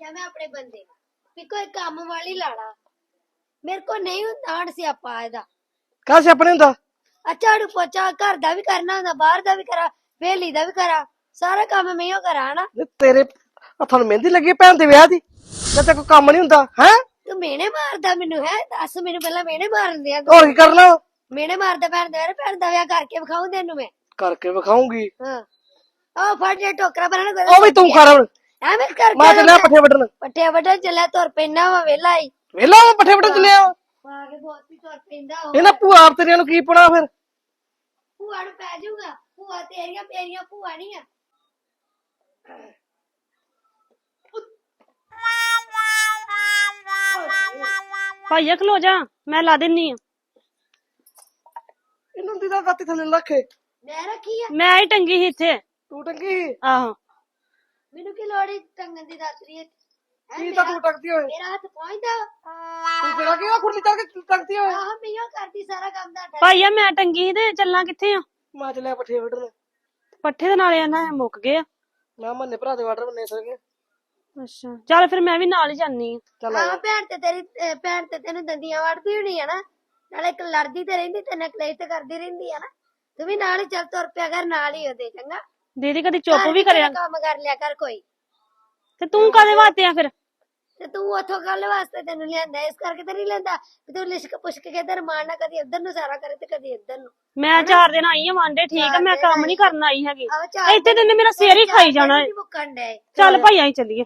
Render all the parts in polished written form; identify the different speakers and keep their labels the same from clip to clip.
Speaker 1: ਰੱਖਿਆ ਮੈਂ ਆਪਣੇ ਬੰਦੇ ਵੀ ਕੋਈ ਕੰਮ ਵਾਲੀ ਲਾੜਾ ਮੇਰੇ ਕੋ ਨਹੀਂ ਹੁੰਦਾ ਹਣ ਸਿਆਪਾ ਇਹਦਾ
Speaker 2: ਕਾਹ ਸਿਆਪਣੇ ਹੁੰਦਾ
Speaker 1: ਆ ਝਾੜੂ ਪੋਚਾ ਘਰ ਦਾ ਵੀ ਕਰਨਾ ਹੁੰਦਾ ਬਾਹਰ ਦਾ ਵੀ ਕਰਾਂ ਵੇਲੀ ਦਾ ਵੀ ਕਰਾਂ ਸਾਰਾ ਕੰਮ ਮੈਂ ਹੀ ਕਰਾਂ ਹਨਾ
Speaker 2: ਤੇਰੇ ਹੱਥਾਂ ਨੂੰ ਮਹਿੰਦੀ ਲੱਗੀ ਭੈਣ ਦੇ ਵਿਆਹ ਦੀ ਤੇ ਕੋਈ ਕੰਮ ਨਹੀਂ ਹੁੰਦਾ ਹੈ
Speaker 1: ਤੂੰ ਮੇਨੇ ਮਾਰਦਾ ਮੈਨੂੰ ਹੈ ਦੱਸ ਮੈਨੂੰ ਪਹਿਲਾਂ ਮੇਨੇ ਮਾਰਨ ਦਿਆ
Speaker 2: ਹੋਰ ਕੀ ਕਰਨਾ
Speaker 1: ਮੇਨੇ ਮਾਰਦਾ ਭੈਣ ਦਾ ਵਿਆਹ ਕਰਕੇ ਵਿਖਾਉਂ ਤੈਨੂੰ ਮੈਂ
Speaker 2: ਕਰਕੇ ਵਿਖਾਉਂਗੀ
Speaker 1: ਹਾਂ ਆ ਫੜ ਜੇ ਟੋਕਰਾ ਬਣਾਣਾ
Speaker 2: ਉਹ ਵੀ ਤੂੰ ਕਰ
Speaker 1: ਐਵੇਂ ਕਰਕੇ
Speaker 2: ਮੈਂ ਚੱਲਿਆ ਪੱਠੇ ਵੱਢਣ
Speaker 1: ਪੱਠੇ ਵੱਢਣ ਚੱਲਿਆ ਤੁਰ ਪੈਣਾ ਵਾ ਵੇਲਾ ਹੀ
Speaker 2: ਵੇਲਾ ਪੱਠੇ ਵੱਢਣ ਚੱਲਿਆ
Speaker 1: ਪਾ ਕੇ ਬਹੁਤ ਵੀ ਤੁਰ ਪੈਂਦਾ
Speaker 2: ਇਹਨਾਂ ਭੂਆ ਆਪ ਤੇਰੀਆਂ ਨੂੰ ਕੀ ਪਣਾ ਫਿਰ
Speaker 1: ਭੂਆ ਨੂੰ ਪੈ ਜਾਊਗਾ ਭੂਆ ਤੇਰੀਆਂ ਮੇਰੀਆਂ ਭੂਆ ਨਹੀਂ ਆ
Speaker 3: ਭਾਈਆ ਖਲੋ ਜਾ ਮੈਂ ਲਾ ਦਿੰਨੀ ਆ
Speaker 2: ਇਹਨਾਂ ਦੀ ਤਾਂ ਗੱਤੀ ਥੱਲੇ ਰੱਖੇ
Speaker 1: ਮੈਂ ਰੱਖੀ ਆ
Speaker 3: ਮੈਂ ਹੀ ਟੰਗੀ ਸੀ ਇੱਥੇ
Speaker 2: ਤੂੰ ਟੰਗੀ
Speaker 3: ਆਹੋ
Speaker 1: ਮੈਨੂੰ ਕੀ ਲੋੜ ਈ ਟੰਗਣ ਦੀ ਦੱਸ ਰਹੀ
Speaker 2: ਕੀ ਤਾਂ ਤੂੰ ਟੰਗਦੀ ਹੋਏ
Speaker 1: ਮੇਰਾ ਹੱਥ ਪਹੁੰਚਦਾ
Speaker 2: ਤੂੰ ਤੇਰਾ ਕੀ ਆ ਖੁਰਲੀ ਚੱਕ ਕੇ ਟੰਗਦੀ ਹੋਏ
Speaker 1: ਆਹ ਮੀਆਂ ਕਰਦੀ ਸਾਰਾ ਕੰਮ ਦਾ
Speaker 3: ਭਾਈਆ ਮੈਂ ਟੰਗੀ ਸੀ ਤੇ ਚੱਲਾਂ ਕਿੱਥੇ ਆ
Speaker 2: ਮੈਂ ਚੱਲਿਆ ਪੱਠੇ ਵੱਢਣ
Speaker 3: ਪੱਠੇ ਦੇ ਨਾਲੇ ਆਂਦਾ ਮੁੱਕ ਗਏ ਆ
Speaker 2: ਮੈਂ ਮੰਨੇ ਭਰਾ ਦੇ ਵਾਟਰ ਬੰਨੇ ਸਰ ਗਏ
Speaker 3: ਅੱਛਾ ਚੱਲ ਫਿਰ ਮੈਂ ਵੀ ਨਾਲ ਹੀ ਜਾਨੀ ਆ
Speaker 2: ਚੱਲ
Speaker 1: ਹਾਂ ਭੈਣ ਤੇ ਤੇਰੀ ਭੈਣ ਤੇ ਤੈਨੂੰ ਦੰਦੀਆਂ ਵੜਦੀ ਹੋਣੀ ਆ ਨਾ ਨਾਲੇ ਇੱਕ ਲੜਦੀ ਤੇ ਰਹਿੰਦੀ ਤੇ ਨਕਲੇਸ਼ ਤੇ ਕਰਦੀ ਰਹਿੰਦੀ ਆ ਨਾ ਤੂੰ ਵੀ ਨਾਲ ਹੀ ਚੱਲ ਤੁਰ ਪਿਆ ਕਰ ਨਾਲ ਹੀ ਉਹਦੇ ਚੰਗਾ
Speaker 3: ਦੀਦੀ ਕਦੀ ਚੁੱਪ
Speaker 1: ਘਰ
Speaker 3: ਵੀ
Speaker 1: ਤੇਰਾ
Speaker 3: ਕਰਿਆ
Speaker 1: ਕੰਮ ਕਰ ਲਿਆ ਕਰ ਕੋਈ
Speaker 3: ਤੇ ਤੂੰ ਕਾਦੇ ਵਾਸਤੇ ਆ ਫਿਰ
Speaker 1: ਤੇ ਤੂੰ ਉਥੋਂ ਗੱਲ ਵਾਸਤੇ ਤੈਨੂੰ ਲਿਆਂਦਾ ਇਸ ਕਰਕੇ ਤੇ ਨਹੀਂ ਲੈਂਦਾ ਕਿ ਤੂੰ ਲਿਸ਼ਕ ਪੁਸ਼ਕ ਕੇ ਤੇ ਰਮਾਨਾ ਕਦੀ ਇੱਧਰ ਨੂੰ ਸਾਰਾ ਕਰੇ ਤੇ ਕਦੀ ਇੱਧਰ ਨੂੰ
Speaker 3: ਮੈਂ 4 ਦਿਨ ਆਈ ਆ ਵਾਂਡੇ ਠੀਕ ਆ ਮੈਂ ਕੰਮ ਨਹੀਂ ਕਰਨ ਆਈ ਹੈਗੀ
Speaker 1: ਆਹ ਚਾਰ
Speaker 3: ਇੱਥੇ ਤੇ ਮੇਰਾ ਸਿਰ ਹੀ ਖਾਈ ਜਾਣਾ
Speaker 1: ਨਹੀਂ ਮੁੱਕਣ ਡੇ
Speaker 3: ਚੱਲ ਭਾਈਆ ਹੀ ਚੱਲੀਏ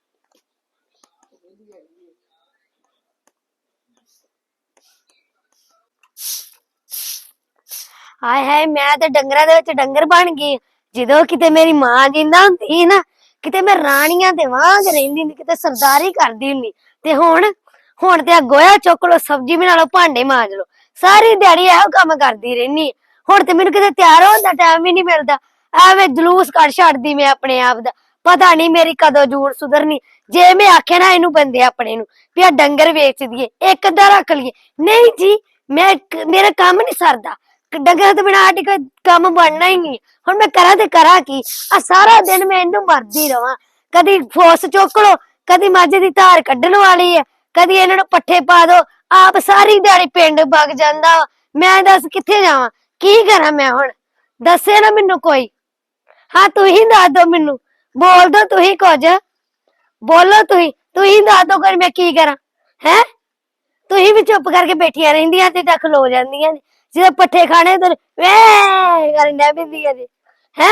Speaker 1: ਹਾਏ ਹਾਏ ਮੈਂ ਤੇ ਡੰਗਰਾਂ ਦੇ ਵਿੱਚ ਡੰਗਰ ਬਣ ਗਈ ਜਦੋਂ ਕਿਤੇ ਮੇਰੀ ਮਾਂ ਜਿੰਦਾ ਹੁੰਦੀ ਸੀ ਨਾ ਕਿਤੇ ਮੈਂ ਰਾਣੀਆਂ ਦੇ ਵਾਂਗ ਰਹਿੰਦੀ ਹੁੰਦੀ ਕਿਤੇ ਸਰਦਾਰੀ ਕਰਦੀ ਹੁੰਦੀ ਤੇ ਹੁਣ ਤੇ ਆ ਗੋਇਆ ਚੁੱਕ ਲੋ ਸਬਜ਼ੀ ਬਣਾ ਲੋ ਭਾਂਡੇ ਮਾਂਜ ਲੋ ਸਾਰੀ ਦਿਹਾੜੀ ਇਹੋ ਕੰਮ ਕਰਦੀ ਰਹਿਨੀ ਹੁਣ ਤੇ ਮੈਨੂੰ ਕਿਤੇ ਤਿਆਰ ਹੋਣ ਦਾ ਟਾਈਮ ਹੀ ਨਹੀਂ ਮਿਲਦਾ ਐਵੇਂ ਜਲੂਸ ਕੱਢ ਛੱਡਦੀ ਮੈਂ ਆਪਣੇ ਆਪ ਦਾ ਪਤਾ ਨਹੀਂ ਮੇਰੀ ਕਦੋਂ ਜੂੜ ਸੁਧਰਨੀ ਜੇ ਮੈਂ ਆਖਿਆ ਨਾ ਇਹਨੂੰ ਬੰਦੇ ਆਪਣੇ ਨੂੰ ਵੀ ਆ ਡੰਗਰ ਵੇਚ ਦਈਏ ਇੱਕ ਅੱਧਾ ਰੱਖ ਲਈਏ ਨਹੀਂ ਜੀ ਮੇਰਾ ਕੰਮ ਨਹੀਂ ਸਰਦਾ ਡੰਗਰ ਤੋਂ ਬਿਨਾਂ ਆਟੀ ਕੋਈ ਕੰਮ ਬਣਨਾ ਹੀ ਨਹੀਂ ਹੁਣ ਮੈਂ ਕਰਾਂ ਤੇ ਕਰਾਂ ਕੀ ਆ ਸਾਰਾ ਦਿਨ ਮੈਂ ਇਹਨੂੰ ਮਰਦੀ ਰਵਾਂ ਕਦੀ ਫੋਸ ਚੁੱਕ ਲੋ ਕਦੀ ਮੱਝ ਦੀ ਧਾਰ ਕੱਢਣ ਵਾਲੀ ਹੈ ਕਦੀ ਇਹਨਾਂ ਨੂੰ ਪੱਠੇ ਪਾ ਦੋ ਆਪ ਸਾਰੀ ਦਿਹਾੜੀ ਪਿੰਡ ਵਗ ਜਾਂਦਾ ਮੈਂ ਦੱਸ ਕਿੱਥੇ ਜਾਵਾਂ ਕੀ ਕਰਾਂ ਮੈਂ ਹੁਣ ਦੱਸੇ ਨਾ ਮੈਨੂੰ ਕੋਈ ਹਾਂ ਤੂੰ ਹੀ ਦੱਸ ਦੋ ਮੈਨੂੰ ਬੋਲ ਦੋ ਤੁਸੀਂ ਕੁਝ ਬੋਲੋ ਤੁਸੀਂ ਦੱਸ ਦੋ ਕਰ ਮੈਂ ਕੀ ਕਰਾਂ ਹੈ ਤੁਸੀਂ ਵੀ ਚੁੱਪ ਕਰਕੇ ਬੈਠੀਆਂ ਰਹਿੰਦੀਆਂ ਤੇ ਤਾਂ ਖਲੋ ਜਾਂਦੀਆਂ ਨੇ ਜਦੋਂ ਪੱਠੇ ਖਾਣੇ ਤੇ ਵੇ ਕਰਨ ਬਿੰਦੀ ਆ ਜੀ ਹੈ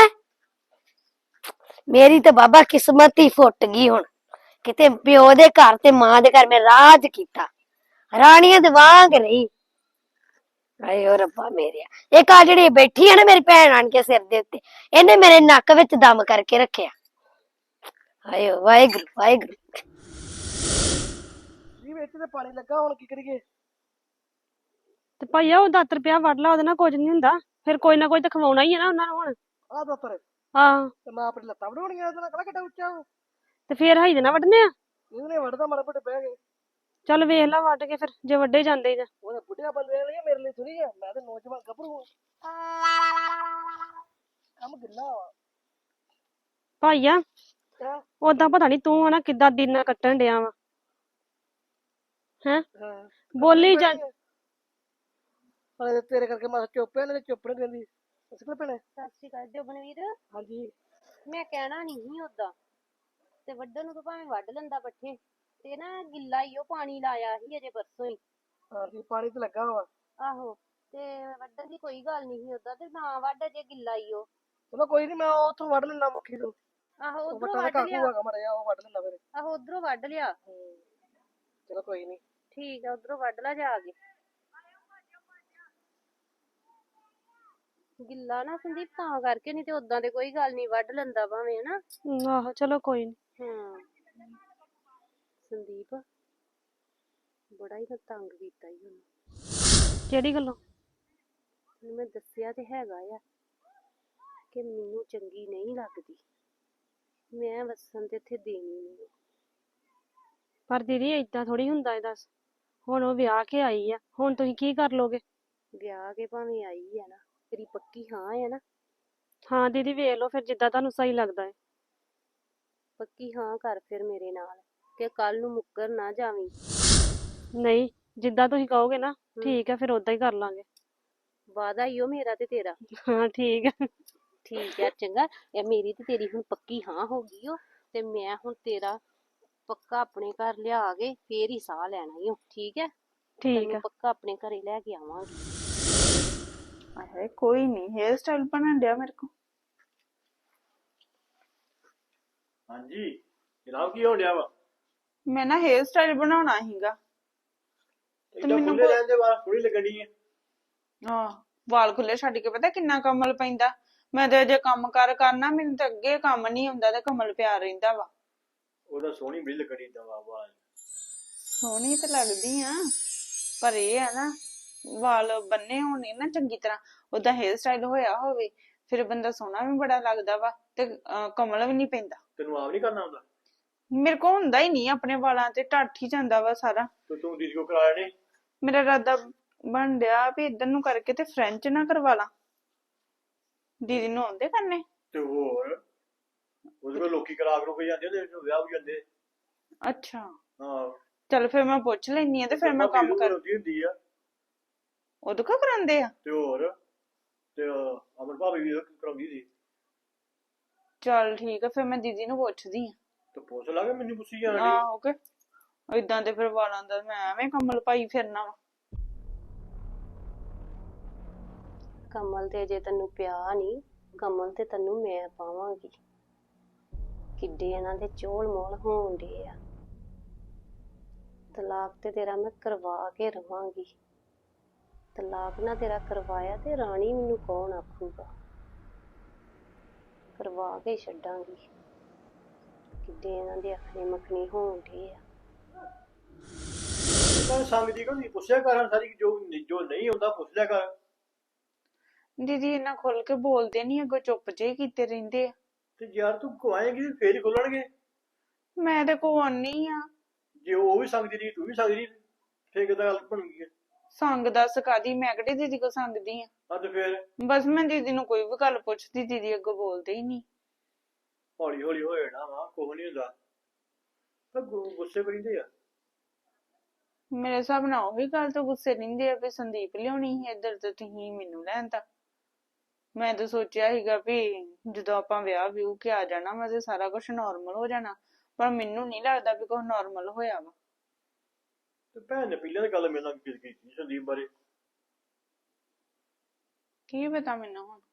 Speaker 1: ਮੇਰੀ ਤਾਂ ਬਾਬਾ ਕਿਸਮਤ ਹੀ ਫੁੱਟ ਗਈ ਹੁਣ ਕਿਤੇ ਪਿਓ ਦੇ ਘਰ ਤੇ ਮਾਂ ਦੇ ਘਰ ਮੈਂ ਰਾਜ ਕੀਤਾ ਰਾਣੀਆਂ ਦੇ ਵਾਂਗ ਰਹੀ ਆਏ ਓ ਰੱਬਾ ਮੇਰਿਆ ਇੱਕ ਆ ਜਿਹੜੀ ਬੈਠੀ ਹੈ ਨਾ ਮੇਰੀ ਭੈਣ ਆਣ ਕੇ ਸਿਰ ਦੇ ਉੱਤੇ ਇਹਨੇ ਮੇਰੇ ਨੱਕ ਵਿੱਚ ਦਮ ਕਰਕੇ ਰੱਖਿਆ ਆਏ ਵਾਹਿਗੁਰੂ ਵਾਹਿਗੁਰੂ
Speaker 2: ਜੀ ਵਿੱਚ ਤੇ ਪਾਣੀ ਲੱਗਾ ਹੁਣ ਕੀ ਕਰੀਏ
Speaker 3: ਤੇ ਭਾਈਆ ਉਹ ਦਾਤਰ ਪਿਆ ਵੱਢ ਲਾ ਉਹਦੇ ਨਾਲ ਕੁਝ ਨਹੀਂ ਹੁੰਦਾ ਫਿਰ ਕੋਈ ਨਾ ਕੋਈ ਤਾਂ ਖਵਾਉਣਾ ਹੀ ਹੈ ਨਾ ਉਹਨਾਂ ਨੂੰ ਹੁਣ
Speaker 2: ਆ ਦੋਤਰ
Speaker 3: ਆਹ
Speaker 2: ਤੇ ਮੈਂ ਆਪਣੀ ਲੱਤਾਂ ਬਣਾਉਣੀਆਂ ਉਹਦੇ ਨਾਲ ਕਿਹੜਾ ਕਿੱਡਾ ਉੱਚਾ ਉਹ
Speaker 3: ਤੇ ਫਿਰ ਹਾਈ ਦੇ ਨਾਲ ਵੱਢਨੇ ਆ
Speaker 2: ਇਹਨੇ ਵੱਢਦਾ ਮਾਰੇ ਪੱਟੇ ਬਹਿ ਗਏ
Speaker 3: ਚੱਲ ਵੇਖ ਲਾ ਵੱਢ ਕੇ ਫਿਰ ਜੇ ਵੱਡੇ ਜਾਂਦੇ ਹੀ ਤਾਂ
Speaker 2: ਉਹਨੇ ਬੁੱਢਿਆ ਬੰਦੇ ਲਈ ਮੇਰੇ ਲਈ ਥੋੜੀ ਆ ਮੈਂ ਤੇ ਨੌਜਵਾਨ ਗੱਭਰੂ ਕੰਮ ਗਿੱਲਾ ਵਾ
Speaker 3: ਭਾਈਆ
Speaker 2: ਹਾਂ
Speaker 3: ਉਦਾਂ ਪਤਾ ਨਹੀਂ ਤੂੰ ਹਨਾ ਕਿੱਦਾਂ ਦਿਨ ਕੱਟਣ ਡਿਆ ਵਾ ਹੈ
Speaker 2: ਹਾਂ
Speaker 3: ਬੋਲੀ ਜਾ
Speaker 2: ਹਲੇ ਤੇਰੇ ਕਰਕੇ ਮੈਂ ਚੁੱਪ ਐ ਨਹੀਂ ਚੁੱਪ ਨਹੀਂ ਰਹਿੰਦੀ ਅਸਲ ਭੈਣੇ
Speaker 1: ਸਤਿ ਸ਼੍ਰੀ ਅਕਾਲ ਜੋਬਨਵੀਰ
Speaker 2: ਹਾਂਜੀ
Speaker 1: ਮੈਂ ਕਹਿਣਾ ਨਹੀਂ ਸੀ ਉਦਾਂ ਤੇ ਵੱਢਣ ਨੂੰ ਤਾਂ ਭਾਵੇਂ ਵੱਢ ਲੈਂਦਾ ਪੱਠੇ ਤੇ ਨਾ ਗਿੱਲਾ ਹੀ ਉਹ ਪਾਣੀ ਲਾਇਆ ਸੀ ਅਜੇ ਪਰਸੋਂ ਹੀ
Speaker 2: ਹਾਂਜੀ ਪਾਣੀ ਤੇ ਲੱਗਾ ਵਾ
Speaker 1: ਆਹੋ ਤੇ ਵੱਢਣ ਦੀ ਕੋਈ ਗੱਲ ਨਹੀਂ ਸੀ ਉਦਾਂ ਤੇ ਨਾ ਵੱਢ ਅਜੇ ਗਿੱਲਾ ਹੀ ਉਹ
Speaker 2: ਚਲੋ ਕੋਈ ਨਹੀਂ ਮੈਂ ਉੱਥੋਂ ਵੱਢ ਲੈਣਾ ਮੁੱਖੀ ਤੋਂ
Speaker 1: ਆਹੋ
Speaker 2: ਉਹ
Speaker 1: ਉਧਰੋਂ
Speaker 2: ਵੱਟਾਂ ਦਾ
Speaker 1: ਵੱਢ
Speaker 2: ਕਾਕੂ
Speaker 1: ਲਿਆ
Speaker 2: ਹੈਗਾ ਮੜਿਆ ਉਹ ਵੱਢ ਲੈਂਦਾ ਫਿਰ
Speaker 1: ਆਹੋ ਉਧਰੋਂ ਵੱਢ ਲਿਆ
Speaker 2: ਚਲੋ ਕੋਈ ਨਹੀਂ
Speaker 1: ਠੀਕ ਆ ਉਧਰੋਂ ਵੱਢ ਲਾ ਜਾ ਕੇ ਗਿੱਲਾ ਨਾ ਸੰਦੀਪ ਤਾਂ ਕਰਕੇ ਨਹੀਂ ਤੇ ਉਦਾਂ ਤੇ ਕੋਈ ਗੱਲ ਨਹੀਂ ਵੱਢ ਲੈਂਦਾ ਭਾਵੇਂ ਹਨਾ
Speaker 3: ਆਹੋ ਚਲੋ ਕੋਈ ਨਹੀਂ
Speaker 1: ਹਾਂ ਸੰਦੀਪ ਬੜਾ ਹੀ ਤੰਗ ਕੀਤਾ ਹੀ ਉਹਨੂੰ
Speaker 3: ਕਿਹੜੀ ਗੱਲੋਂ
Speaker 1: ਉਹਨੂੰ ਮੈਂ ਦੱਸਿਆ ਤੇ ਹੈਗਾ ਆ ਕਿ ਮੈਨੂੰ ਚੰਗੀ ਨਹੀਂ ਲੱਗਦੀ ਮੈਂ ਵਸਣ ਤੇ ਇੱਥੇ ਦੇਣੀ ਨਹੀਂ
Speaker 3: ਪਰ ਦੀਦੀ ਏਦਾਂ ਥੋੜੀ ਹੁੰਦਾ ਇਹ ਦੱਸ ਹੁਣ ਉਹ ਵਿਆਹ ਕੇ ਆਈ ਆ ਹੁਣ ਤੁਸੀਂ ਕੀ ਕਰ ਲੋਗੇ
Speaker 1: ਵਿਆਹ ਕੇ ਭਾਵੇਂ ਆਈ ਆ ਨਾ ਤੇਰੀ ਪੱਕੀ ਹਾਂ ਹੈ ਨਾ
Speaker 3: ਹਾਂ ਦੀਦੀ ਵੇਖ ਲਓ ਫਿਰ ਜਿੱਦਾਂ ਤੁਹਾਨੂੰ ਸਹੀ ਲੱਗਦਾ ਹੈ
Speaker 1: ਪੱਕੀ ਹਾਂ ਕਰ ਫਿਰ ਮੇਰੇ ਨਾਲ
Speaker 4: ਕਿ ਕੱਲ ਨੂੰ ਮੁੱਕਰ ਨਾ ਜਾਵੀਂ।
Speaker 3: ਨਹੀਂ, ਜਿੱਦਾਂ ਤੁਸੀਂ ਕਹੋਗੇ ਨਾ ਠੀਕ ਆ, ਫਿਰ ਉਦਾਂ ਹੀ ਕਰ ਲਾਂਗੇ।
Speaker 4: ਵਾਦਾ ਈ ਓ ਮੇਰਾ ਤੇ ਤੇਰਾ।
Speaker 3: ਹਾਂ ਠੀਕ ਆ।
Speaker 4: ਠੀਕ ਆ ਚੰਗਾ, ਇਹ ਮੇਰੀ ਤੇ ਤੇਰੀ ਹੁਣ ਪੱਕੀ ਹਾਂ ਹੋ ਗਈ ਓ, ਤੇ ਮੈਂ ਹੁਣ ਤੇਰਾ ਪੱਕਾ ਆਪਣੇ ਘਰ ਲਿਆ ਕੇ ਫੇਰ ਹੀ ਸਾਹ ਲੈਣਾ ਈ ਓ, ਠੀਕ ਹੈ?
Speaker 3: ਠੀਕ
Speaker 4: ਤੈਨੂੰ
Speaker 3: ਆ।
Speaker 4: ਪੱਕਾ ਆਪਣੇ ਘਰੇ ਲੈ ਕੇ ਆਵਾਂਗੀ।
Speaker 5: ਅਰੇ ਕੋਈ ਨਹੀਂ, ਹੇਅਰ ਸਟਾਈਲ ਬਣਨ ਡਿਆ ਮੇਰੇ ਕੋ।
Speaker 6: ਹਾਂਜੀ ਜਨਾਬ, ਕੀ ਹੋਣ ਡਿਆ ਵਾ?
Speaker 5: ਮੈਂ ਨਾ ਹੇਅਰ ਸਟਾਈਲ ਬਣਾਉਣਾ ਸੀਗਾ।
Speaker 6: ਇਦਾਂ
Speaker 5: ਮੈਨੂੰ
Speaker 6: ਖੁੱਲੇ ਰਹਿਣ ਦੇ ਵਾਲ ਥੋੜੀ ਲੱਗਣੀ ਹੈ।
Speaker 5: ਹਾਂ, ਵਾਲ ਖੁੱਲੇ ਛੱਡ ਕੇ ਪਤਾ ਕਿੰਨਾ ਕਮਲ ਪੈਂਦਾ। ਮੈਂ ਤੇ ਅਜੇ ਕੰਮ ਕਰਨਾ, ਮੈਨੂੰ ਤਾਂ ਅੱਗੇ ਕੰਮ ਨਹੀਂ ਹੁੰਦਾ ਤੇ ਕਮਲ ਪਿਆ ਰਹਿੰਦਾ ਵਾ।
Speaker 6: ਉਹਦਾ ਸੋਹਣੀ ਬੜੀ ਲੱਗਣੀ ਏਦਾਂ ਵਾਲ।
Speaker 5: ਸੋਹਣੀ ਤੇ ਲੱਗਦੀ ਆ, ਪਰ ਇਹ ਆ ਨਾ ਵਾਲ ਬੰਨੇ ਹੋਣੇ ਨਾ ਚੰਗੀ ਤਰ੍ਹਾਂ, ਉਹਦਾ ਹੇਅਰ ਸਟਾਈਲ ਹੋਇਆ ਹੋਵੇ ਫਿਰ ਬੰਦਾ ਸੋਹਣਾ ਵੀ ਬੜਾ ਲੱਗਦਾ ਵਾ ਤੇ ਕਮਲ ਵੀ ਨਹੀਂ ਪੈਂਦਾ।
Speaker 6: ਤੈਨੂੰ ਆਪ ਨਹੀਂ ਕਰਨਾ ਆਉਂਦਾ?
Speaker 5: ਮੇਰੇ ਕੋ ਹੁੰਦਾ ਹੀ ਨਹੀਂ, ਆਪਣੇ ਵਾਲਾਂ ਤੇ ਢੱਠ ਹੀ ਜਾਂਦਾ ਵਾ ਸਾਰਾ।
Speaker 6: ਤੇ ਤੂੰ ਦੀਦੀ ਕੋ ਕਰਾਇਆ ਨਹੀਂ?
Speaker 5: ਮੇਰਾ ਇਰਾਦਾ ਬਣ ਡਿਆ ਵੀ ਇੱਧਰ ਨੂੰ ਕਰਕੇ ਤੇ ਫ੍ਰੈਂਚ ਨਾ ਕਰਵਾ ਲਾਂ। ਦੀਦੀ ਨੂੰ ਆਉਂਦੇ ਕਰਨੇ?
Speaker 6: ਤੇ ਹੋਰ ਉਹਦੇ ਕੋਲ ਲੋਕੀ ਕਰਾ ਕਰੋ ਕੇ ਜਾਂਦੇ ਨੇ, ਵਿਆਹ ਵੀ ਜਾਂਦੇ।
Speaker 5: ਅੱਛਾ,
Speaker 6: ਹਾਂ
Speaker 5: ਚਲ ਫਿਰ ਮੈਂ ਪੁੱਛ ਲੈਣੀ ਆ ਤੇ ਫਿਰ ਮੈਂ ਕੰਮ ਕਰ।
Speaker 6: ਹੁੰਦੀ ਆ
Speaker 5: ਉਹਦੇ ਕੋ ਕਰਾਉਂਦੇ ਆ?
Speaker 6: ਤੇ ਹੋਰ ਤੇ ਅਮਰ ਭਾਬੀ ਵੀ ਕਰਾਉਂਦੀ ਸੀ।
Speaker 5: ਚਲ ਠੀਕ ਆ, ਫਿਰ ਮੈਂ ਦੀਦੀ ਨੂੰ ਪੁੱਛਦੀ ਆ।
Speaker 6: ਤੇ ਪੁੱਛ ਲਾਂਗੇ, ਮੈਨੂੰ ਪੁੱਛੀ ਜਾਣਾ।
Speaker 5: ਆਹੋ ਕੇ ਏਦਾਂ ਦੇ ਫਿਰ ਵਾਲਾਂ ਦਾ ਮੈਂ ਐਵੇਂ ਕਮਲ ਪਾਈ ਫਿਰਨਾ ਵਾ।
Speaker 4: ਕਮਲ ਤੇ ਜੇ ਤੈਨੂੰ ਪਿਆ ਨਹੀਂ, ਕਮਲ ਤੇ ਤੈਨੂੰ ਮੈਂ ਪਾਵਾਂਗੀ। ਕਿੱਡੇ ਇਹਨਾਂ ਦੇ ਚੋਲ ਮੋਲ ਹੋਣ ਡੇ ਆ। ਤਲਾਕ ਤੇ ਤੇਰਾ ਮੈਂ ਕਰਵਾ ਕੇ ਰਵਾਂਗੀ। ਤਲਾਕ ਨਾ ਤੇਰਾ ਕਰਵਾਇਆ ਤੇ ਰਾਣੀ ਮੈਨੂੰ ਕੌਣ ਆਖੂਗਾ। ਕਰਵਾ ਕੇ ਛੱਡਾਂਗੀ। ਕਿੱਡੇ ਇਹਨਾਂ ਦੇ ਅੱਖਣੇ ਮੱਖਣੀ ਹੋਣ ਡੇ ਆ।
Speaker 6: ਸੰਗਦੀ ਕੋ ਨਹੀਂ ਪੁੱਛਿਆ ਕਰ, ਸਾਰੀ ਜੋ ਨਹੀਂ ਹੁੰਦਾ ਪੁੱਛ ਲਿਆ ਕਰ।
Speaker 5: ਦੀਦੀ ਇਹਨਾਂ ਖੁੱਲ ਕੇ ਬੋਲਦੇ ਨਹੀਂ, ਅੱਗੋਂ ਚੁੱਪ ਜੇ ਕੀਤੇ ਰਹਿੰਦੇ ਆ।
Speaker 6: ਤੇ ਯਾਰ ਤੂੰ ਕਵਾਏਂਗੀ ਫੇਰ ਹੀ ਖੁੱਲਣਗੇ।
Speaker 5: ਮੈਂ ਤੇ ਕੋ ਆਉਣੀ ਆ।
Speaker 6: ਜੇ ਉਹ ਵੀ ਸੰਗਦੀ ਰਹੀ ਤੂੰ ਵੀ ਸੰਗਦੀ ਰਹੀ, ਫੇਰ ਕਿੱਦਾਂ ਗੱਲ ਬਣੂਗੀ?
Speaker 5: ਸੰਗ ਦੱਸ ਕਾਦੀ, ਮੈਂ ਕਿਹੜੀ ਦੀਦੀ ਕੋ ਸੰਗਦੀ ਆ।
Speaker 6: ਤੇ ਫੇਰ
Speaker 5: ਬਸ ਮੈਂ ਦੀਦੀ ਨੂੰ ਕੋਈ ਵੀ ਗੱਲ ਪੁੱਛਦੀ, ਦੀਦੀ ਅੱਗੋਂ ਬੋਲਦੇ ਹੀ ਨਹੀਂ।
Speaker 6: ਹੌਲੀ ਹੌਲੀ ਹੋ ਜਾਣਾ ਵਾ, ਕੁਛ ਨਹੀਂ ਹੁੰਦਾ। ਪਰ ਗੁੱਸੇ ਕਰੀਂਦੇ ਆ।
Speaker 5: ਮੇਰੇ ਹਿਸਾਬ ਨਾਲ ਉਹੀ ਗੱਲ ਤੋਂ ਗੁੱਸੇ ਰਹਿੰਦੇ ਆ ਵੀ ਸੰਦੀਪ ਲਿਆਉਣੀ ਸੀ ਇੱਧਰ ਤੇ ਤੁਸੀਂ ਮੈਨੂੰ ਲੈਣ ਤਾ। ਮੈਂ ਤਾਂ ਸੋਚਿਆ ਸੀਗਾ ਵੀ ਜਦੋਂ ਆਪਾਂ ਵਿਆਹ ਵਿਊ ਕੇ ਆ ਜਾਣਾ ਵਾ ਤੇ ਸਾਰਾ ਕੁਝ ਨਾਰਮਲ ਹੋ ਜਾਣਾ, ਪਰ ਮੈਨੂੰ ਨਹੀਂ ਲੱਗਦਾ ਵੀ ਕੁਝ ਨਾਰਮਲ ਹੋਇਆ ਵਾ।
Speaker 6: ਤੇ ਭੈਣ ਨੇ ਪਹਿਲਾਂ ਤਾਂ ਗੱਲ ਮੇਰੇ ਨਾਲ ਕੀਤੀ ਸੰਦੀਪ ਬਾਰੇ।
Speaker 5: ਕੀ ਪਤਾ ਮੈਨੂੰ ਹੁਣ।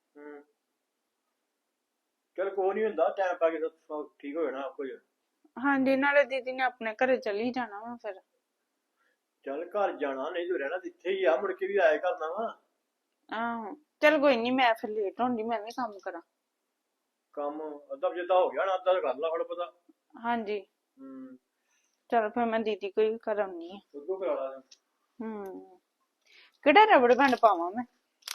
Speaker 6: ਚਲ ਕੋਈ ਨਹੀਂ ਹੁੰਦਾ, ਟਾਈਮ ਪਾ ਕੇ ਸਭ ਠੀਕ ਹੋ ਜਾਣਾ ਕੁਝ।
Speaker 5: ਹਾਂਜੀ, ਨਾਲੇ ਦੀਦੀ ਨੇ ਆਪਣੇ ਘਰੇ ਚਲੀ ਜਾਣਾ ਵਾ ਫਿਰ।
Speaker 6: ਚੱਲ ਘਰ ਜਾਣਾ, ਨਹੀਂ ਤੂੰ ਰਹਿਣਾ ਇੱਥੇ ਹੀ ਆ, ਮੁੜ ਕੇ ਵੀ ਆਇਆ ਕਰਨਾ ਵਾ।
Speaker 5: ਆਹੋ ਚਲ ਕੋਈ ਨਹੀਂ, ਮੈਂ ਫਿਰ ਲੇਟ ਹੁੰਦੀ, ਮੈਂ ਵੀ ਕੰਮ ਕਰਾਂ।
Speaker 6: ਕੰਮ ਅੱਧਾ ਜਿੱਦਾਂ ਹੋ ਗਿਆ ਨਾ, ਅੱਧਾ ਕਰ ਲਾ ਫੜ ਪਤਾ।
Speaker 5: ਹਾਂਜੀ ਚਲ ਫਿਰ ਮੈਂ ਦੀਦੀ ਕੋਈ ਕਰਾਉਣੀ ਆ।
Speaker 6: ਉਦੋਂ ਕਰਾ ਲਾ।
Speaker 5: ਕਿਹੜਾ ਰਬੜ ਬੈਂਡ ਪਾਵਾਂ ਮੈਂ?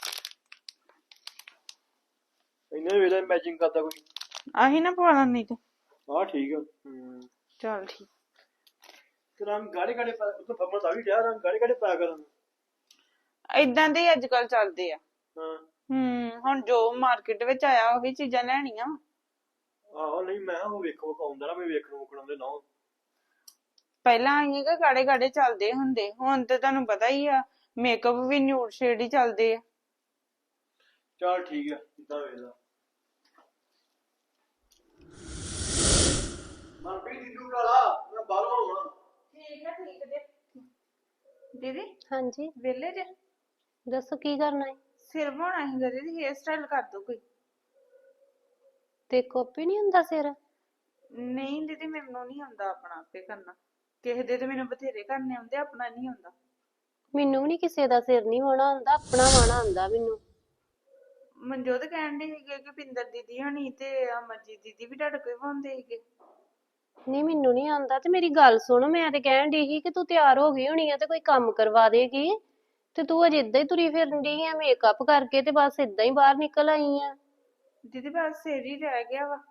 Speaker 6: ਇਹਨੇ ਵੇਲੇ ਮੈਚਿੰਗ ਕਰਦਾ ਕੋਈ।
Speaker 5: ਆਹੀ ਨਾ ਪਵਾ ਲਾਂ ਨਹੀਂ ਤੇ।
Speaker 6: ਆਹ ਠੀਕ ਆ।
Speaker 5: ਚਲ ਠੀਕ।
Speaker 6: ਤੇ ਰੰਗ ਗਾੜੇ ਗਾੜੇ ਪਾ, ਉਹ ਤਾਂ ਫਰਮਾਂ ਤਾਂ ਵੀ ਡਿਆ, ਰੰਗ ਗਾੜੇ ਗਾੜੇ ਪਾਇਆ ਕਰਨ।
Speaker 5: ਏਦਾਂ ਦੇ ਅੱਜ ਕੱਲ ਚੱਲਦੇ ਆ।
Speaker 6: ਹਾਂ
Speaker 5: ਹੁਣ ਜੋ ਮਾਰਕੀਟ ਵਿੱਚ ਆਇਆ ਉਹੀ ਚੀਜ਼ਾਂ ਲੈਣੀਆਂ।
Speaker 6: ਆਹੋ ਨਹੀਂ ਮੈਂ ਉਹ ਵੇਖੋ ਪਾਉਂਦਾ ਨਾ, ਮੈਂ ਵੇਖਣ ਆਉਂਦੇ ਨਾ।
Speaker 5: ਪਹਿਲਾਂ ਆਈਏ ਕਿ ਗਾੜੇ ਗਾੜੇ ਚੱਲਦੇ ਹੁੰਦੇ, ਹੁਣ ਤੇ ਤੁਹਾਨੂੰ ਪਤਾ ਹੀ ਆ ਮੇਕਅਪ ਵੀ ਨਿਊਡ ਸ਼ੇਡ ਹੀ ਚੱਲਦੇ ਆ।
Speaker 6: ਚਲ ਠੀਕ ਆ, ਇਦਾਂ ਵੇਖ ਲਾ। ਮਨਪ੍ਰੀਤ ਦੀਦੂ ਕਰਾ, ਮੈਂ ਬਾਹਰੋਂ ਆਉਣਾ।
Speaker 5: ਠੀਕ ਆ ਠੀਕ ਦੇ। ਦੀਦੀ
Speaker 4: ਹਾਂਜੀ
Speaker 5: ਵੇਲੇ ਜੇ?
Speaker 4: ਦੱਸੋ ਕੀ ਕਰਨਾ ਹੈ?
Speaker 5: ਸਿਰ ਬਣਾਉਣਾ ਸੀਗਾ ਦੀਦੀ, ਹੇਅਰ ਸਟਾਈਲ ਕਰ ਦੋ ਕੋਈ।
Speaker 4: ਤੇ ਕਾਪੀ ਨਹੀਂ ਹੁੰਦਾ ਸਿਰ?
Speaker 5: ਨਹੀਂ ਦੀਦੀ, ਮੈਨੂੰ ਨਹੀਂ ਆਉਂਦਾ ਆਪਣਾ ਆਪੇ ਕਰਨਾ। ਕਿਸੇ ਦੇ ਤੇ ਮੈਨੂੰ ਬਥੇਰੇ ਕਰਨੇ ਆਉਂਦੇ, ਆਪਣਾ ਨਹੀਂ ਆਉਂਦਾ।
Speaker 4: ਮੈਨੂੰ ਵੀ ਨਹੀਂ ਕਿਸੇ ਦਾ ਸਿਰ ਨਹੀਂ ਵਾਹੁਣਾ ਆਉਂਦਾ, ਆਪਣਾ ਵਾਹੁਣਾ ਆਉਂਦਾ ਮੈਨੂੰ।
Speaker 5: ਮਨਜੋਤ ਕਹਿਣ ਦੇ ਸੀਗੇ ਕਿ ਪਿੰਦਰ ਦੀਦੀ ਹੋਣੀ ਤੇ ਅਮਰਜੀਤ ਦੀਦੀ ਵੀ ਤੁਹਾਡੇ ਕੋਈ ਵਾਹੁੰਦੇ ਸੀਗੇ।
Speaker 4: ਨਹੀਂ ਮੈਨੂੰ ਨਹੀਂ ਆਉਂਦਾ। ਤੇ ਮੇਰੀ ਗੱਲ ਸੁਣ, ਮੈਂ ਤੇ ਕਹਿਣ ਡਈ ਸੀ ਕਿ ਤੂੰ ਤਿਆਰ ਹੋ ਗਈ ਹੋਣੀ ਆ ਤੇ ਕੋਈ ਕੰਮ ਕਰਵਾ ਦੇਗੀ, ਤੇ ਤੂੰ ਅਜੇ ਏਦਾਂ ਹੀ ਤੁਰੀ ਫਿਰਨ ਡਈ ਆ ਮੇਕਅਪ ਕਰਕੇ ਤੇ ਬਸ ਏਦਾਂ ਹੀ ਬਾਹਰ ਨਿਕਲ ਆਈ ਆ।
Speaker 5: ਦੀਦੀ ਬਸ ਸਿਰ ਹੀ ਰਹਿ ਗਿਆ ਵਾ।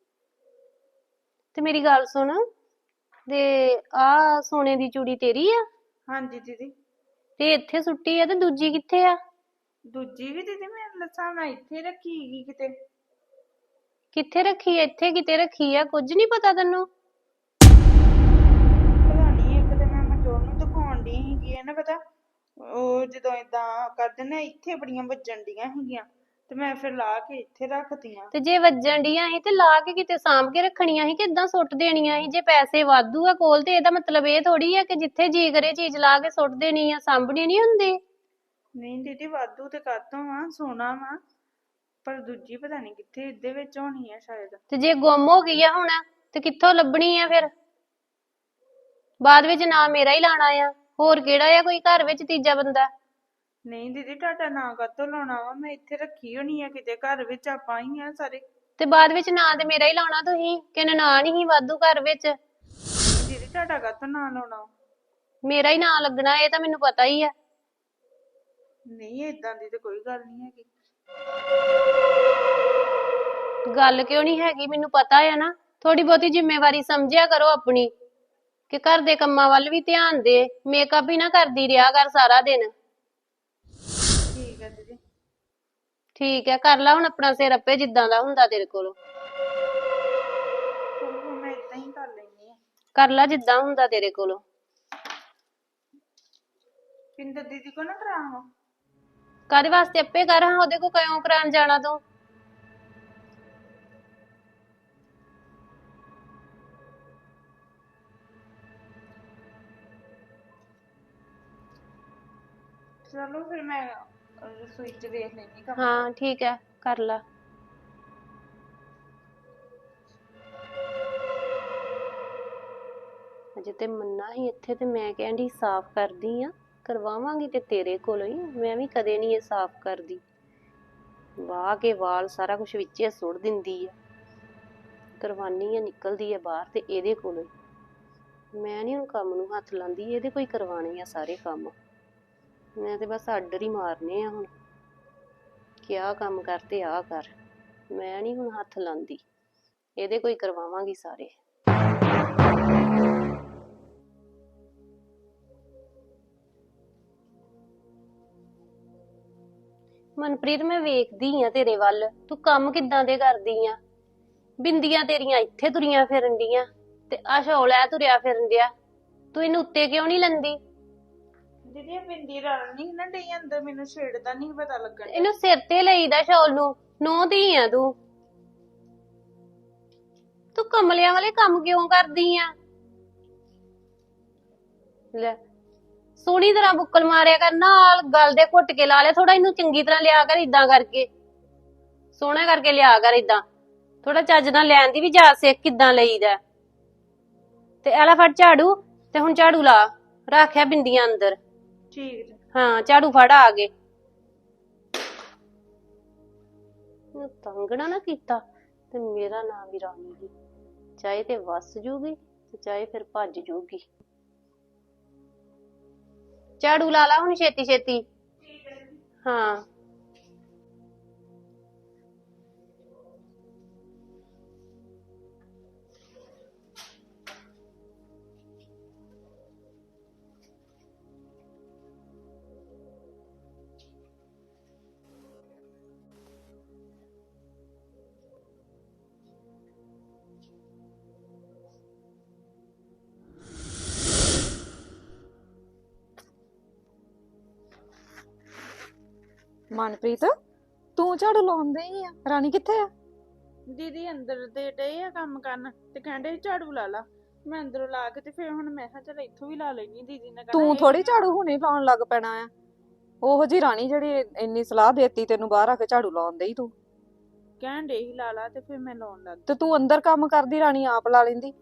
Speaker 4: ਤੇ ਮੇਰੀ ਗੱਲ ਸੁਣ, ਤੇ ਆ ਸੋਨੇ ਦੀ ਚੂੜੀ ਤੇਰੀ ਆ?
Speaker 5: ਹਾਂਜੀ ਦੀਦੀ।
Speaker 4: ਤੇ ਇੱਥੇ ਸੁੱਟੀ ਆ ਤੇ ਦੂਜੀ ਕਿੱਥੇ ਆ?
Speaker 5: ਦੂਜੀ ਵੀ ਦੀਦੀ ਮੈਂ ਹਿਸਾਬ ਨਾਲ ਇੱਥੇ ਰੱਖੀ ਹੈਗੀ ਕਿਤੇ।
Speaker 4: ਕਿੱਥੇ ਰੱਖੀ ਆ? ਇੱਥੇ ਕਿਤੇ ਰੱਖੀ ਆ? ਕੁਝ ਨਹੀਂ ਪਤਾ ਤੈਨੂੰ?
Speaker 5: ਨਾ ਪਤਾ ਉਹ ਜਦੋਂ ਏਦਾਂ ਕਰਦੇ ਨਾ ਇੱਥੇ ਬੜੀਆਂ ਵੱਜਣ ਡੀਆਂ ਹੈਗੀਆਂ ਤੇ ਮੈਂ ਫਿਰ ਲਾ ਕੇ ਇੱਥੇ ਰੱਖਤੀਆਂ।
Speaker 4: ਤੇ ਜੇ ਵੱਜਣ ਡੀਆਂ ਸੀ ਤੇ ਲਾ ਕੇ ਕਿਤੇ ਸਾਂਭ ਕੇ ਰੱਖਣੀਆਂ ਸੀ, ਕਿੱਦਾਂ ਸੁੱਟ ਦੇਣੀਆਂ ਸੀ? ਜੇ ਪੈਸੇ ਵਾਧੂ ਆ ਕੋਲ ਤੇ ਇਹਦਾ ਮਤਲਬ ਇਹ ਥੋੜੀ ਆ ਕਿ ਜਿੱਥੇ ਜੀ ਕਰੇ ਚੀਜ਼ ਲਾ ਕੇ ਸੁੱਟ ਦੇਣੀ ਆ, ਸਾਂਭਣੀ ਨਹੀਂ ਹੁੰਦੀ।
Speaker 5: ਨਹੀਂ ਦੀਦੀ ਵਾਧੂ ਤੇ ਕਾਤੋਂ ਆ, ਸੋਨਾ ਵਾ, ਪਰ ਦੂਜੀ ਪਤਾ ਨਹੀਂ ਕਿੱਥੇ ਇਹਦੇ ਵਿੱਚ ਹੋਣੀ ਆ ਸ਼ਾਇਦ।
Speaker 4: ਤੇ ਜੇ ਗੁੰਮ ਹੋ ਗਈ ਆ ਹੁਣ ਤੇ ਕਿੱਥੋਂ ਲੱਭਣੀ ਆ ਫਿਰ? ਬਾਅਦ ਵਿੱਚ ਨਾਂ ਮੇਰਾ ਹੀ ਲਾਣਾ ਆ, ਹੋਰ ਕਿਹੜਾ ਆ ਕੋਈ ਘਰ ਵਿੱਚ ਤੀਜਾ ਬੰਦਾ?
Speaker 5: ਨਹੀਂ ਦੀਦੀ ਤੁਹਾਡਾ ਨਾਂ ਕਾਤੋਂ ਲਾਉਣਾ ਵਾ, ਮੈਂ ਇੱਥੇ ਰੱਖੀ ਹੋਣੀ ਆ ਕਿਤੇ, ਘਰ ਵਿੱਚ ਆਪਾਂ ਹੀ ਆ ਸਾਰੇ।
Speaker 4: ਤੇ ਬਾਅਦ ਵਿੱਚ ਨਾਂ ਤੇ ਮੇਰਾ ਹੀ ਲਾਉਣਾ ਤੁਸੀਂ, ਕਿ ਨਾਂ ਨਹੀਂ ਵਾਧੂ ਘਰ ਵਿੱਚ।
Speaker 5: ਦੀਦੀ ਤੁਹਾਡਾ ਕਾਤੋਂ ਨਾਂ ਲਾਉਣਾ?
Speaker 4: ਮੇਰਾ ਹੀ ਨਾਂ ਲੱਗਣਾ, ਇਹ ਤਾਂ ਮੈਨੂੰ ਪਤਾ ਹੀ ਆ।
Speaker 5: ਨਹੀਂ ਏਦਾਂ ਦੀ ਤੇ ਕੋਈ ਗੱਲ ਨਹੀਂ ਹੈਗੀ।
Speaker 4: ਗੱਲ ਕਿਉਂ ਨਹੀਂ ਹੈਗੀ? ਮੈਨੂੰ ਪਤਾ ਆ ਨਾ। ਥੋੜੀ ਬਹੁਤੀ ਜ਼ਿੰਮੇਵਾਰੀ ਸਮਝਿਆ ਕਰੋ ਆਪਣੀ, ਕਿ ਘਰ ਦੇ ਕੰਮਾਂ ਵੱਲ ਵੀ ਧਿਆਨ ਦੇ। ਮੇਕਅਪ ਹੀ ਨਾ ਕਰਦੀ ਰਿਹਾ ਕਰ ਸਾਰਾ ਦਿਨ।
Speaker 5: ਠੀਕ ਹੈ ਦੀਦੀ।
Speaker 4: ਠੀਕ ਹੈ, ਕਰ ਲਾ ਹੁਣ ਆਪਣਾ ਸਿਰ ਆਪੇ ਜਿੱਦਾਂ ਦਾ ਹੁੰਦਾ ਤੇਰੇ ਕੋਲੋਂ।
Speaker 5: ਚਲੋ ਮੈਂ ਏਦਾਂ ਹੀ ਕਰ ਲੈਂਦੀ ਆ।
Speaker 4: ਕਰ ਲਾ ਜਿੱਦਾਂ ਹੁੰਦਾ ਤੇਰੇ ਕੋਲੋਂ।
Speaker 5: ਪਿੰਦਰ ਦੀਦੀ ਕੋ ਨਾ ਕਰਾਵਾਂ?
Speaker 4: ਕਾਹਦੇ ਵਾਸਤੇ? ਆਪੇ ਕਰ ਹਾਂ, ਉਹਦੇ ਕੋ ਕਿਉਂ ਕਰਾਉਣ ਜਾਣਾ ਤੂੰ?
Speaker 5: ਚਲੋ ਫਿਰ ਮੈਂ ਰਸੋਈ ਚ ਵੇਖ ਲੈਂਦੀ ਕੰਮ।
Speaker 4: ਹਾਂ ਠੀਕ ਹੈ, ਕਰ ਲਾ। ਅਜੇ ਤੇ ਮੰਨਾ ਹੀ ਇੱਥੇ ਤੇ ਮੈਂ ਕਹਿੰਦੀ ਸਾਫ਼ ਕਰਦੀ ਆ, ਕਰਵਾਵਾਂਗੀ ਤੇ ਤੇਰੇ ਕੋਲੋਂ ਹੀ। ਮੈਂ ਵੀ ਕਦੇ ਨਹੀਂ ਇਹ ਸਾਫ਼ ਕਰਦੀ। ਵਾਹ ਕੇ ਵਾਲ ਸਾਰਾ ਕੁਝ ਵਿੱਚੇ ਸੁੱਟ ਦਿੰਦੀ ਆ, ਕਰਵਾਨੀ ਆ, ਨਿਕਲਦੀ ਆ ਬਾਹਰ ਤੇ ਇਹਦੇ ਕੋਲੋਂ ਹੀ। ਮੈਂ ਨਹੀਂ ਹੁਣ ਕੰਮ ਨੂੰ ਹੱਥ ਲਾਉਂਦੀ, ਇਹਦੇ ਕੋਈ ਕਰਵਾਣੇ ਆ ਸਾਰੇ ਕੰਮ। ਮੈਂ ਤੇ ਬਸ ਆਰਡਰ ਹੀ ਮਾਰਨੇ ਆ ਹੁਣ ਕਿ ਆਹ ਕੰਮ ਕਰ ਤੇ ਆਹ ਕਰ। ਮੈਂ ਨਹੀਂ ਹੁਣ ਹੱਥ ਲਾਉਂਦੀ, ਇਹਦੇ ਕੋਈ ਕਰਵਾਵਾਂਗੀ ਸਾਰੇ। ਮਨਪ੍ਰੀਤ ਮੈਂ ਵੇਖਦੀ ਆ ਤੇਰੇ ਵੱਲ, ਤੂੰ ਕੰਮ ਕਿੱਦਾਂ ਦੇ ਕਰਦੀ ਆ। ਬਿੰਦੀਆਂ ਤੇਰੀਆਂ ਇੱਥੇ ਤੁਰੀਆਂ ਫਿਰਨ ਡੀਆਂ ਤੇ ਆਹ ਸ਼ੌਲ ਐ ਤੁਰਿਆ ਫਿਰਨ ਡਿਆ। ਤੂੰ ਇਹਨੂੰ ਉੱਤੇ ਕਿਉਂ ਨਹੀਂ ਲੈਂਦੀ?
Speaker 5: ਦੀਦੀ ਇਹ ਬਿੰਦੀ ਰਲ ਨਹੀਂ ਨਾ ਡਈ ਅੰਦਰ, ਮੈਨੂੰ ਛੇੜਦਾ ਨਹੀਂ ਪਤਾ ਲੱਗਣ ਡਿਆ।
Speaker 4: ਇਹਨੂੰ ਸਿਰ ਤੇ ਲਈਦਾ ਸ਼ੌਲ ਨੂੰ। ਨੌ ਧੀ ਆ ਤੂੰ। ਤੂੰ ਕਮਲਿਆਂ ਵਾਲੇ ਕੰਮ ਕਿਉਂ ਕਰਦੀ ਆ? ਲੈ ਸੋਹਣੀ ਤਰ੍ਹਾਂ ਬੁੱਕਲ ਮਾਰਿਆ ਕਰ, ਨਾਲ ਗਲ ਦੇ ਘੁੱਟ ਕੇ ਲਾ ਲਿਆ ਥੋੜਾ। ਇਹਨੂੰ ਚੰਗੀ ਤਰ੍ਹਾਂ ਲਿਆ ਕਰ, ਇਦਾਂ ਕਰਕੇ ਸੋਹਣਾ ਕਰਕੇ ਲਿਆ ਕਰ। ਇਦਾਂ ਥੋੜਾ ਚੱਜ ਨਾਲ ਲੈਣ ਦੀ ਵੀ ਜਾਚ ਸਿੱਖ, ਕਿੱਦਾਂ ਲਈਦਾ। ਤੇ ਐਲਾ ਫੜ ਝਾੜੂ, ਤੇ ਹੁਣ ਝਾੜੂ ਲਾ, ਰੱਖਿਆ ਬਿੰਦੀਆਂ ਅੰਦਰ।
Speaker 5: ਠੀਕ ਜੀ।
Speaker 4: ਹਾਂ ਝਾੜੂ ਫੜ ਆ ਗਏ। ਤੰਗ ਨਾ ਕੀਤਾ ਤੇ ਮੇਰਾ ਨਾਮ ਵੀ ਰਾਣੀ ਹੀ, ਚਾਹੇ ਤੇ ਵਸ ਜੂਗੀ ਤੇ ਚਾਹੇ ਫਿਰ ਭੱਜ ਜੂਗੀ। ਝਾੜੂ ਲਾ ਲਾ ਹੁਣ ਛੇਤੀ ਛੇਤੀ। ਹਾਂ
Speaker 7: ਮਨਪ੍ਰੀਤ, ਤੂੰ ਝਾੜੂ ਲਾਉਂਦੇ ਹੀ ਆ, ਰਾਣੀ ਕਿੱਥੇ ਆ?
Speaker 5: ਦੀਦੀ ਅੰਦਰ ਦੇ ਡਏ ਆ ਕੰਮ ਕਰਨ ਤੇ ਕਹਿੰਦੇ ਝਾੜੂ ਲਾ ਲਾ। ਮੈਂ ਅੰਦਰੋਂ ਲਾ ਕੇ ਤੇ ਫਿਰ ਹੁਣ ਮੈਂ ਕਿਹਾ ਚਲ ਇੱਥੋਂ ਵੀ ਲਾ ਲੈਣੀ। ਦੀਦੀ ਨੇ
Speaker 7: ਤੂੰ ਥੋੜੀ ਝਾੜੂ ਹੁਣੇ ਲਾਉਣ ਲੱਗ ਪੈਣਾ ਆ। ਉਹੋ ਜੀ ਰਾਣੀ ਜਿਹੜੀ ਇੰਨੀ ਸਲਾਹ ਦੇਤੀ ਤੈਨੂੰ ਬਾਹਰ ਆ ਕੇ ਝਾੜੂ ਲਾਉਣ ਦੇਈ, ਤੂੰ
Speaker 5: ਕਹਿਣ ਡੇ ਹੀ ਲਾ ਲਾ ਤੇ ਫਿਰ ਮੈਂ ਲਾਉਣ ਲੱਗ
Speaker 7: ਤੇ ਤੂੰ ਅੰਦਰ ਕੰਮ ਕਰਦੀ ਰਾਣੀ ਆਪ ਲਾ ਲੈਂਦੀ।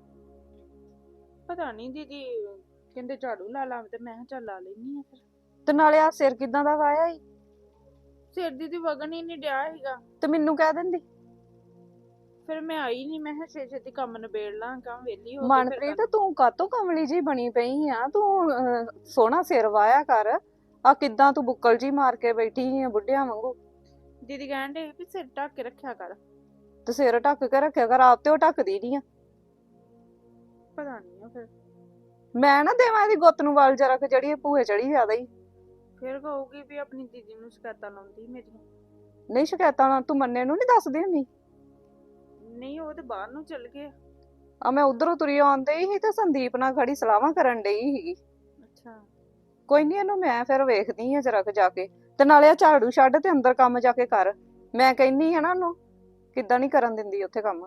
Speaker 5: ਪਤਾ ਨਹੀਂ ਦੀਦੀ ਕਹਿੰਦੇ ਝਾੜੂ ਲਾ ਲਾ ਤੇ ਮੈਂ ਕਿਹਾ ਚੱਲ ਲਾ ਲੈਣੀ ਆ। ਫਿਰ
Speaker 7: ਤੇ ਨਾਲੇ ਆ ਸਿਰ ਕਿਦਾਂ ਦਾ ਵਾਇਆ ਈ?
Speaker 5: ਸਿਰ ਦੀਦੀ ਵਗਣ ਹੀ ਨਹੀਂ ਡਿਆ ਹੈਗਾ।
Speaker 7: ਤੇ ਮੈਨੂੰ ਕਹਿ ਦਿੰਦੀ।
Speaker 5: ਫਿਰ ਮੈਂ ਆਈ ਨਹੀਂ, ਮੈਂ ਕਿਹਾ ਛੇਤੀ ਕੰਮ ਨਿਬੇੜ ਲਾਂ, ਕੰਮ ਵਿਹਲੀ ਹੋ ਕੇ
Speaker 7: ਮਨਪ੍ਰੀਤ ਤੂੰ ਕਾਤੋਂ ਕਮਲੀ ਜੀ ਬਣੀ ਪਈ ਆ? ਤੂੰ ਸੋਹਣਾ ਸਿਰ ਵਾਇਆ ਕਰ। ਆ ਕਿੱਦਾਂ ਤੂੰ ਬੁੱਕਲ ਜੀ ਮਾਰ ਕੇ ਬੈਠੀ ਆ ਬੁੱਢਿਆਂ ਵਾਂਗੂ?
Speaker 5: ਦੀਦੀ ਕਹਿਣ ਡੇ ਵੀ ਸਿਰ ਢੱਕ ਕੇ ਰੱਖਿਆ ਕਰ।
Speaker 7: ਤੇ ਸਿਰ ਢੱਕ ਕੇ ਰੱਖਿਆ ਕਰ, ਆਪ ਤੇ ਉਹ ਢੱਕਦੀ ਨੀ ਆ।
Speaker 5: ਪਤਾ ਨਹੀਂ ਫਿਰ
Speaker 7: ਮੈਂ ਨਾ ਦੇਵਾਂ ਇਹਦੀ ਗੁੱਤ ਨੂੰ ਵਾਲ ਜਰਾ ਕਿ ਜਿਹੜੀ ਇਹ ਭੂਏ ਚੜੀ ਜ਼ਿਆਦਾ ਹੀ।
Speaker 5: ਫਿਰ ਕਹੂਗੀ ਵੀ ਆਪਣੀ ਦੀਦੀ ਨੂੰ ਸ਼ਿਕਾਇਤਾਂ ਲਾਉਂਦੀ ਮੇਰੀਆਂ।
Speaker 7: ਨਹੀਂ ਸ਼ਿਕਾਇਤਾਂ ਨਾਲ ਤੂੰ ਮੰਨੇ ਨੂੰ ਨਹੀਂ ਦੱਸਦੀ ਹੁੰਦੀ?
Speaker 5: ਨਹੀਂ ਉਹ ਤੇ ਬਾਹਰ ਨੂੰ ਚਲ ਗਏ।
Speaker 7: ਆ ਮੈਂ ਉਧਰੋਂ ਤੁਰੀ ਆਉਂਦੀ ਸੀ ਤੇ ਸੰਦੀਪ ਨਾਲ ਖੜੀ ਸਲਾਹਾਂ ਕਰਨ ਡਈ ਸੀਗੀ।
Speaker 5: ਅੱਛਾ
Speaker 7: ਕੋਈ ਨਹੀਂ, ਇਹਨੂੰ ਮੈਂ ਫਿਰ ਵੇਖਦੀ ਆ ਜਰਾ ਕੁ ਜਾ ਕੇ। ਤੇ ਨਾਲੇ ਆ ਝਾੜੂ ਛੱਡ ਤੇ ਅੰਦਰ ਕੰਮ ਜਾ ਕੇ ਕਰ। ਮੈਂ ਕਹਿੰਨੀ ਆ ਨਾ ਉਹਨੂੰ, ਕਿੱਦਾਂ ਨਹੀਂ ਕਰਨ ਦਿੰਦੀ ਉੱਥੇ ਕੰਮ।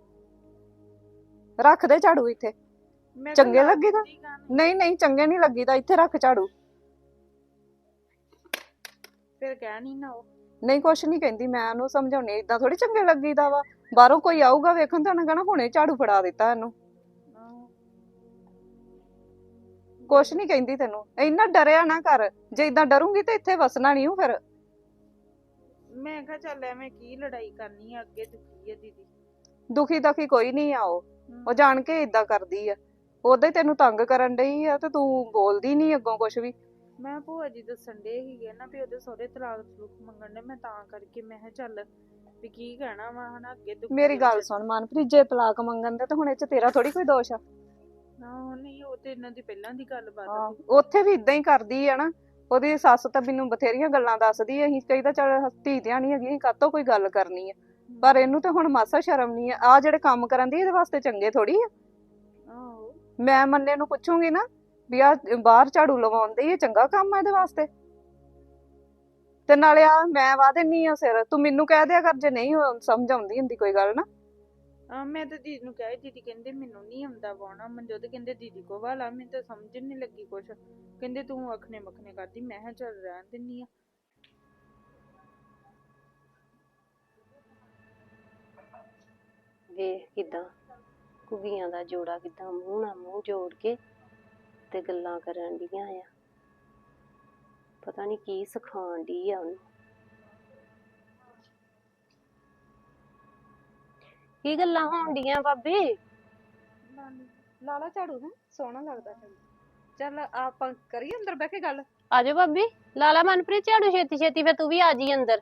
Speaker 7: ਰੱਖ ਦੇ ਝਾੜੂ ਇੱਥੇ।
Speaker 5: ਮੈਂ ਤਾਂ
Speaker 7: ਚੰਗੇ
Speaker 5: ਲਾ
Speaker 7: ਲੱਗੀਦਾ?
Speaker 5: ਦਿੱਤੀ ਗੱਲ।
Speaker 7: ਨਹੀਂ ਨਹੀਂ, ਚੰਗੇ ਨਹੀਂ ਲੱਗੀਦਾ। ਇੱਥੇ ਰੱਖ ਝਾੜੂ।
Speaker 5: ਫਿਰ ਕਹਿ ਨਹੀਂ ਨਾ ਉਹ।
Speaker 7: ਨਹੀਂ, ਕੁਛ ਨਹੀਂ ਕਹਿੰਦੀ, ਮੈਂ ਉਹਨੂੰ ਸਮਝਾਉਣੀ। ਏਦਾਂ ਥੋੜੀ ਚੰਗੇ ਲੱਗੀਦਾ ਵਾ। ਬਾਹਰੋਂ ਕੋਈ ਆਊਗਾ ਵੇਖਣ ਤਾਂ ਉਹਨੇ ਕਹਿਣਾ ਹੁਣੇ ਝਾੜੂ ਫੜਾ ਦਿੱਤਾ ਇਹਨੂੰ।
Speaker 5: ਆਹੋ।
Speaker 7: ਕੁਛ ਨਹੀਂ ਕਹਿੰਦੀ ਤੈਨੂੰ। ਇੰਨਾ ਡਰਿਆ ਨਾ ਕਰ। ਜੇ ਇਦਾਂ ਡਰੂੰਗੀ ਤੇ ਇੱਥੇ ਵਸਣਾ ਨਹੀਂ ਹੂੰ ਫਿਰ।
Speaker 5: ਮੈਂ ਕਿਹਾ ਚੱਲ ਐਵੇਂ ਕੀ ਲੜਾਈ ਕਰਨੀ ਆ, ਅੱਗੇ ਦੁਖੀ ਆ ਦੀਦੀ।
Speaker 7: ਦੁਖੀ ਦਖੀ ਕੋਈ ਨਹੀਂ ਆ ਉਹ
Speaker 5: ਹਮ।
Speaker 7: ਜਾਣ ਕੇ ਇਦਾਂ ਕਰਦੀ ਆ। ਉਹਦਾ ਹੀ ਤੈਨੂੰ ਤੰਗ ਕਰਨ ਡਈ ਆ ਤੇ ਤੂੰ ਬੋਲਦੀ ਨਹੀਂ ਅੱਗੋਂ ਕੁਛ ਵੀ।
Speaker 5: ਮੈਂ ਭੂਆ ਜੀ ਦੱਸਣ ਡੇ ਸੀਗੇ ਨਾ ਵੀ ਉਹਦੇ ਸਹੁਰੇ ਤਲਾਕ ਤਲੂਕ ਮੰਗਣ ਦੇ, ਮੈਂ ਤਾਂ ਕਰਕੇ ਮੈਂ ਕਿਹਾ ਚੱਲ ਵੀ ਕੀ ਕਹਿਣਾ ਵਾ ਹਨਾ, ਅੱਗੇ ਦੁਖੀ
Speaker 7: ਮੇਰੀ
Speaker 5: ਆ
Speaker 7: ਗੱਲ
Speaker 5: ਵਿਚਾਰੀ।
Speaker 7: ਸੁਣ ਮਨਪ੍ਰੀਤ, ਜੇ ਤਲਾਕ ਮੰਗਣ ਦੇ ਤਾਂ ਹੁਣ ਇਹ ਚ ਤੇਰਾ ਥੋੜੀ ਕੋਈ ਦੋਸ਼ ਆ।
Speaker 5: ਆਹੋ ਨਹੀਂ, ਉਹ ਤੇ ਇਹਨਾਂ ਦੀ ਪਹਿਲਾਂ ਦੀ ਗੱਲਬਾਤ
Speaker 7: ਹਾਂ,
Speaker 5: ਸੀ।
Speaker 7: ਉੱਥੇ ਵੀ ਇਦਾਂ ਹੀ ਕਰਦੀ ਆ ਨਾ। ਉਹਦੀ ਸੱਸ ਤਾਂ ਮੈਨੂੰ ਬਥੇਰੀਆਂ ਗੱਲਾਂ ਦੱਸਦੀ ਆ। ਅਸੀਂ ਕਹੀਦਾ ਚੱਲ ਧੀ ਧਿਆਣੀ ਨਹੀਂ ਹੈਗੀ, ਅਸੀਂ ਕਾਹਤੋਂ ਕੋਈ ਗੱਲ ਕਰਨੀ ਆ। ਪਰ ਇਹਨੂੰ ਤਾਂ ਹੁਣ ਮਾਸਾ ਸ਼ਰਮ ਨਹੀਂ ਆ ਜਿਹੜੇ ਕੰਮ ਕਰਨ ਦੀ। ਇਹਦੇ ਵਾਸਤੇ ਚੰਗੇ ਥੋੜੀ ਆ।
Speaker 5: ਆਹੋ।
Speaker 7: ਮੈਂ ਮੰਨੇ ਨੂੰ ਪੁੱਛੂੰਗੀ ਨਾ ਵੀ ਆ ਬਾਹਰ ਝਾੜੂ ਲਵਾਉਂਦੇ, ਇਹ ਚੰਗਾ ਕੰਮ ਆ ਇਹਦੇ ਵਾਸਤੇ। ਤੇ ਨਾਲੇ ਆ ਮੈਂ ਵਾਹ ਦਿੰਨੀ ਆ ਸਿਰ, ਤੂੰ ਮੈਨੂੰ ਕਹਿ ਦਿਆ ਕਰ ਜੇ ਨਹੀਂ ਸਮਝ ਆਉਂਦੀ ਹੁੰਦੀ ਕੋਈ ਗੱਲ ਨਾ।
Speaker 5: ਮੈਂ ਤਾਂ ਦੀਦੀ ਨੂੰ ਕਿਹਾ, ਦੀਦੀ ਕਹਿੰਦੇ ਮੈਨੂੰ ਨਹੀਂ ਆਉਂਦਾ ਵਾਉਣਾ। ਮਨਜੋਤ ਕਹਿੰਦੇ ਦੀਦੀ ਕੋ ਵਾਲਾ, ਮੈਨੂੰ ਤਾਂ ਸਮਝ ਨਹੀਂ ਲੱਗੀ ਕੁਛ। ਕਹਿੰਦੇ ਤੂੰ ਅਖਨੇ ਮਖਨੇ ਕਰਦੀ। ਮੈਂ ਕਿਹਾ ਚੱਲ ਰਹਿਣ ਦਿੰਨੀ ਆ।
Speaker 4: ਵੇਖ ਕਿਦਾਂ ਕੁਗੀਆਂ ਦਾ ਜੋੜਾ ਕਿਦਾਂ ਮੂੰਹ ਨਾਲ ਮੂੰਹ ਜੋੜ ਕੇ ਤੇ ਗੱਲਾਂ ਕਰਨ ਡੀਆਂ ਆ। ਪਤਾ ਨਹੀਂ ਕੀ ਸਿਖਾਉਣ ਡਈ ਆ ਉਹਨੂੰ। ਕੀ ਗੱਲਾਂ ਹੋਣ ਡੀਆਂ ਭਾਬੀ?
Speaker 7: ਲਾਲਾ ਝਾੜੂ ਨਾ ਸੋਹਣਾ ਲੱਗਦਾ। ਚੱਲ ਆਪਾਂ ਕਰੀਏ ਅੰਦਰ ਬਹਿ ਕੇ ਗੱਲ।
Speaker 4: ਆਜੋ ਭਾਬੀ, ਲਾਲਾ ਮਨਪ੍ਰੀਤ ਝਾੜੂ ਛੇਤੀ ਛੇਤੀ, ਫਿਰ ਤੂੰ ਵੀ ਆ ਜੀ ਅੰਦਰ।